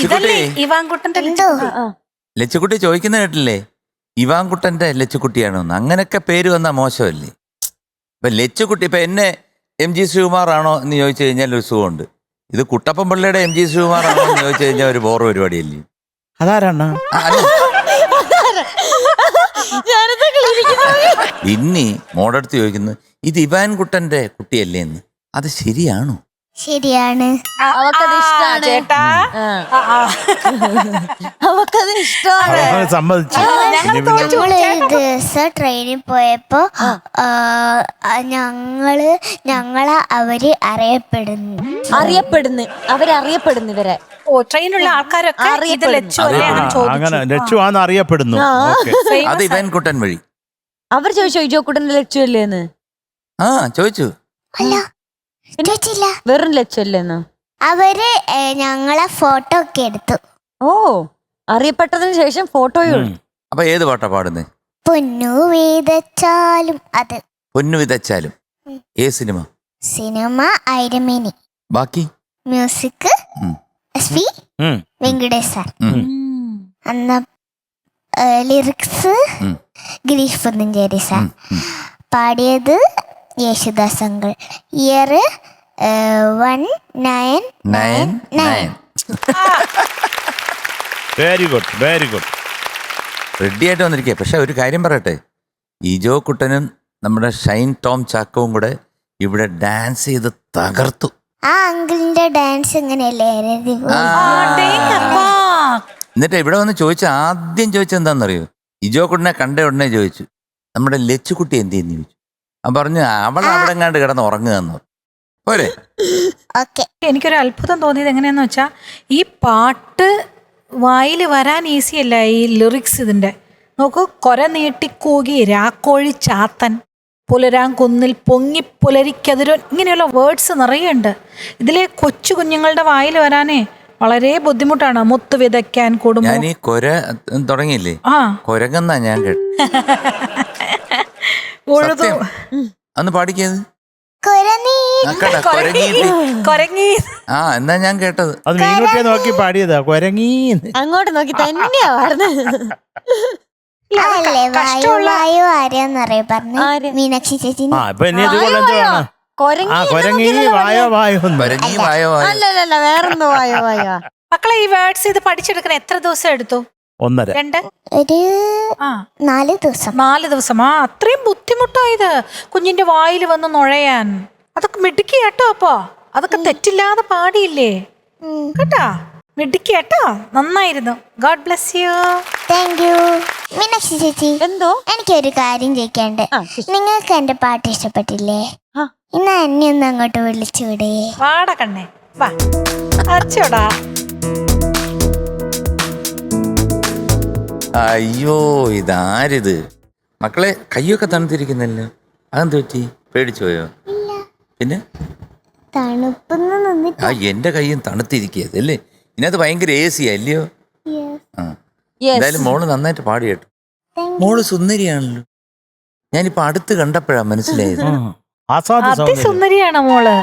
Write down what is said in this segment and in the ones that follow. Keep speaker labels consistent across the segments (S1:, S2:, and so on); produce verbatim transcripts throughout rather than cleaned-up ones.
S1: ലച്ചുകുട്ടി
S2: ഇവാൻകുട്ടന്റെ
S1: ലച്ചുകുട്ടി ചോദിക്കുന്ന കേട്ടില്ലേ ഇവാൻകുട്ടന്റെ ലച്ചുകുട്ടിയാണോന്ന്? അങ്ങനൊക്കെ പേര് വന്നാ മോശമല്ലേ? ഇപ്പൊ ലച്ചുകുട്ടി ഇപ്പൊ എന്നെ എം ജി ശ്രീകുമാർ ആണോ എന്ന് ചോദിച്ചു കഴിഞ്ഞാൽ ഒരു സുഖമുണ്ട്. ഇത് കുട്ടപ്പൻ പിള്ളയുടെ എം ജി ശ്രീകുമാർ ആണോ എന്ന് ചോദിച്ചു കഴിഞ്ഞാൽ ഒരു ബോർ പരിപാടിയല്ലേ?
S3: അതാരാണ്
S1: ഇനി മോടടുത്ത് ചോദിക്കുന്നു ഇത് ഇവാൻകുട്ടന്റെ കുട്ടിയല്ലേ എന്ന്. അത് ശരിയാണോ?
S4: ശരിയാണ്.
S5: അവക്കത് ഇഷ്ടാണ്
S2: ചേട്ടാ,
S5: അവക്കത് ഇഷ്ടമാണ്.
S3: സമ്മതിച്ചു.
S4: ഞങ്ങളൊരു ദിവസം ട്രെയിനിൽ പോയപ്പോ ഞങ്ങള് ഞങ്ങളെ അവര് അറിയപ്പെടുന്നു
S5: അറിയപ്പെടുന്നു അവരറിയപ്പെടുന്നു ഇവരെ.
S2: ഓ ട്രെയിനുള്ള ആൾക്കാരൊക്കെ ഇത് ലച്ചു അല്ലേ
S3: അങ്ങനെ ലച്ചു ആന്ന് അറിയപ്പെടുന്നു.
S1: അത് ഇവാൻകുട്ടൻ വഴി
S5: അവർ ചോദിച്ചോ ഇജോക്കുട്ടന്റെ ലച്ചു അല്ലേന്ന്?
S1: ആ ചോദിച്ചു.
S4: അല്ല ചോദിച്ചില്ല.
S5: വെറും ലച്ചു അല്ലേന്ന്?
S4: അവര് ഞങ്ങളെ ഫോട്ടോ ഒക്കെ എടുത്തു.
S5: ഓ അറിയപ്പെട്ടതിന് ശേഷം ഫോട്ടോയും.
S1: അപ്പൊ ഏത് പാട്ടാ പാടുന്നേ?
S4: പൊന്നു വിതച്ചാലും. അത്
S1: പൊന്നു വിതച്ചാലും. ഏ സിനിമ?
S4: സിനിമ ഐരമേനി.
S1: ബാക്കി
S4: music S P Venkatesh sir. അന്ന ലിറിക്സ് ഗിരീഷ് പുത്തഞ്ചേരി സാർ. പാടിയത് Yesudas uncle. Year one nine nine nine.
S3: Very good very good.
S1: Ready ആയിട്ട് വന്നിരിക്കുക. പക്ഷെ ഒരു കാര്യം പറയട്ടെ, ഇജോ കുട്ടനും നമ്മുടെ ഷൈൻ ടോം ചാക്കവും കൂടെ ഇവിടെ ഡാൻസ് ചെയ്ത് തകർത്തു.
S4: ആ അങ്കിളിന്റെ ഡാൻസ് എങ്ങനെയല്ലേ?
S1: എന്നിട്ട് ഇവിടെ വന്ന് ചോദിച്ച ആദ്യം ചോദിച്ചത് എന്താണെന്നറിയോ? ഇജോ കുട്ടനെ കണ്ട ഉടനെ ചോദിച്ചു നമ്മുടെ ലച്ചുകുട്ടി എന്ത് ചെയ്യുന്നു ചോദിച്ചു. അവൻ പറഞ്ഞു അവൾ അവിടെ എങ്ങാണ്ട് കിടന്ന് ഉറങ്ങുകയെന്ന് പറഞ്ഞു. പോരെ?
S2: എനിക്കൊരു അത്ഭുതം തോന്നിയത് എങ്ങനെയാന്ന് വെച്ചാ ഈ പാട്ട് വായിൽ വരാൻ ഈസി അല്ല. ഈ ലിറിക്സ് ഇതിന്റെ നോക്കൂ. കൊര നീട്ടിക്കൂകി രാക്കോഴി ചാത്തൻ പുലരാൻ കുന്നിൽ പൊങ്ങി പുലരിക്കതിരോ, ഇങ്ങനെയുള്ള വേർഡ്സ് നിറയുണ്ട്. ഇതിലെ കൊച്ചു കുഞ്ഞുങ്ങളുടെ വായിൽ വരാനേ വളരെ ബുദ്ധിമുട്ടാണ്. മുത്ത് വിതയ്ക്കാൻ കൂടും.
S1: ഞാൻ ഈ കൊര തുടങ്ങിയില്ലേ,
S2: ആ
S1: കൊരങ്ങെന്നാ ഞാൻ കേട്ടു. അന്ന് പാടിക്കത് ആ എന്നാ ഞാൻ കേട്ടത്.
S3: അത് മീൻകുട്ടിയെ നോക്കി പാടിയതാ. കൊരങ്ങി
S5: അങ്ങോട്ട് നോക്കി തന്നെയാ പാടുന്നത്.
S4: മീനാക്ഷി ചേച്ചി.
S5: അല്ലല്ല വേറെന്തോ വായോ വായോ.
S2: മക്കളെ ഈ വേർഡ്സ് ഇത് പഠിച്ചെടുക്കാൻ എത്ര ദിവസം എടുത്തു?
S3: ഒന്നര
S2: രണ്ട്
S4: ഒരു നാല് ദിവസം.
S2: നാല് ദിവസം. ആ അത്രയും ബുദ്ധിമുട്ടായത് കുഞ്ഞിന്റെ വായിൽ വന്ന് നുഴയാൻ. അതൊക്കെ മിടുക്കി കേട്ടോ. അപ്പൊ അതൊക്കെ തെറ്റില്ലാതെ പാടിയില്ലേ കേട്ടാ? മിടുക്കി കേട്ടോ, നന്നായിരുന്നു. God bless you.
S4: Thank you. Meenakshi ചേച്ചി,
S5: എന്തോ
S4: എനിക്കൊരു കാര്യം ചോദിക്കാണ്ട്. നിങ്ങൾക്ക് എന്റെ പാട്ട് ഇഷ്ടപ്പെട്ടില്ലേ? ഇന്ന് എന്നെ ഒന്ന് അങ്ങോട്ട് വിളിച്ചുവിടെ.
S2: വാടാ കണ്ണേ വാ. അച്ചോടാ.
S1: അയ്യോ ഇതാരിത് മക്കളെ? കയ്യൊക്കെ തണുത്തിരിക്കുന്നല്ലോ. അതെന്ത് പറ്റി? പേടിച്ചു പോയോ? പിന്നെ
S4: തണുപ്പൊന്നും
S1: ആ എന്റെ കയ്യും തണുത്തിരിക്കുകയത് അല്ലേ? ഇതിനകത്ത് ഭയങ്കര എ സി അല്ലയോ? ആ എന്തായാലും മോള് നന്നായിട്ട് പാടി കേട്ടോ. മോള് സുന്ദരിയാണല്ലോ. ഞാനിപ്പോ അടുത്ത് കണ്ടപ്പോഴാ മനസ്സിലായത്.
S2: സുന്ദരിയാണ് മോള്.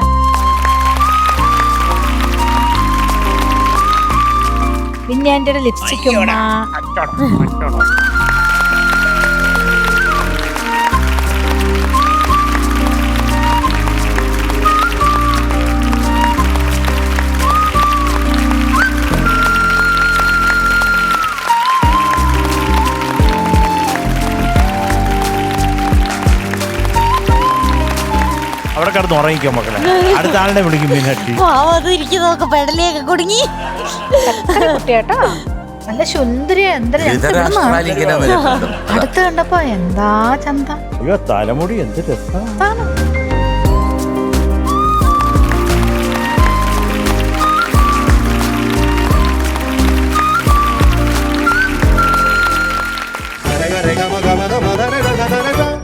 S2: പിന്നെ എന്റെ ലിപ്സ്റ്റിക്കും
S3: അവിടെ കിടന്ന് ഉറങ്ങിക്കോ മക്കളെ. അടുത്ത ആളിനെ വിളിക്കും. മീനാക്ഷി
S5: ഇരിക്കുന്നതൊക്കെ പെടലിയൊക്കെ കുടുങ്ങി.
S2: കുട്ടിയാട്ടോ നല്ല സുന്ദരി. അടുത്ത് കണ്ടപ്പോ എന്താ ചന്ത.
S3: അയ്യോ തലമുടി എന്ത് രസം.